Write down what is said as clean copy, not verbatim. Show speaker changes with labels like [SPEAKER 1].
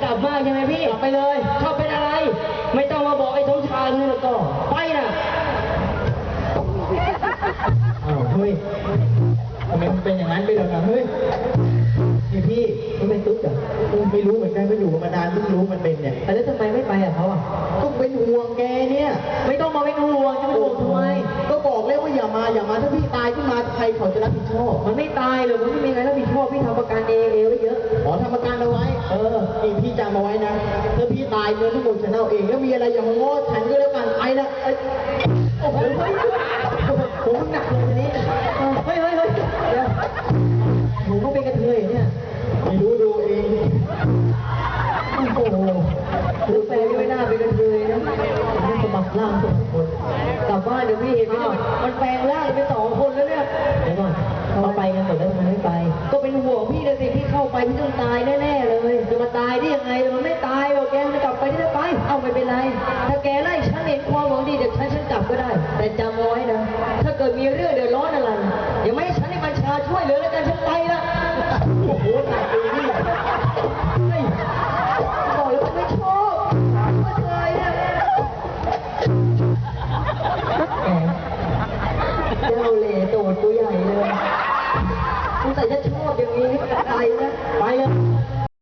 [SPEAKER 1] กลับมากใช่ไหมพี่กลับไปเลยชอบเป็นอะไรไม่ต้องมาบอกไอ้สมชายนี่แล้วก็ไปนะ
[SPEAKER 2] อ้าวเฮ้ยทำไมมันเป็นอย่างนั้นไปแล้วนะเฮ้ยนี่พี่มันเป็นตุ๊กเหรอไม่รู้เหมือนกันก็อยู่มานานเพิ่งรู้มันเป็นเนี่ยแล้วทำไมไม่ไปอ่ะเขาอ่ะก็เป็นห่วงแกเนี่ยไม่ต้องมาเป็นห่วงจะเป็นห่วงทำไมก็บอกแล้วว่าอย่ามาถ้าพี่ตายขึ้นมาใครเขาจะรับผิดชอบมันไม่ตายหรอกมันไม่มีใครรับผิดชอบพี่ทำประกันเองไว้เยอะอ๋อทำประกันเอาไว้นี่พี่จำเอาไว้นะถ้าพี่ตายเงินทั้งหมดฉันเอาเองแล้วมีอะไรอย่างง้อฉันก็แล้วกันไปนะโอ้โหผมหนักเลยทีนี้เฮ้ยเดี๋ยวผมก็เป็นกระเทยเนี่ยไม่รู้ดูเองโอ้โหคือแฟนไม่น่าเป็นกระเทยนะมันสมัครล่างสองคนกลับบ้านเดี๋ยวพี่เห็นไหมมันแปลงร่างเป็น2 คนแล้วเนี่ยเดี๋ยวก่อนเขาไปกันหมดแล้วทำไมไม่ไปก็เป็นห่วงพี่นะสิพี่เข้าไปพี่ต้องตายแน่ๆเลยจะมาตายได้ยังไงมันไม่ตายหรอกแกมันกลับไปได้ไปเอาไม่เป็นไรถ้าแกไล่ฉันเห็นความหวังดีเดี๋ยวฉันกลับก็ได้แต่จำไว้นะถ้าเกิดมีเรื่องเดือดร้อนอะไรอย่าไม่ให้ฉันให้บัญชาช่วยเหลือแล้วกันฉันไปละโอ้โหหนักเลยนี่บอกเลยว่าไม่ชอบไม่เคยนะเจ้าเล่ห์โตดตัวใหญ่เลยสงสัยจะชอบอย่างนี้ไปนะไปเลย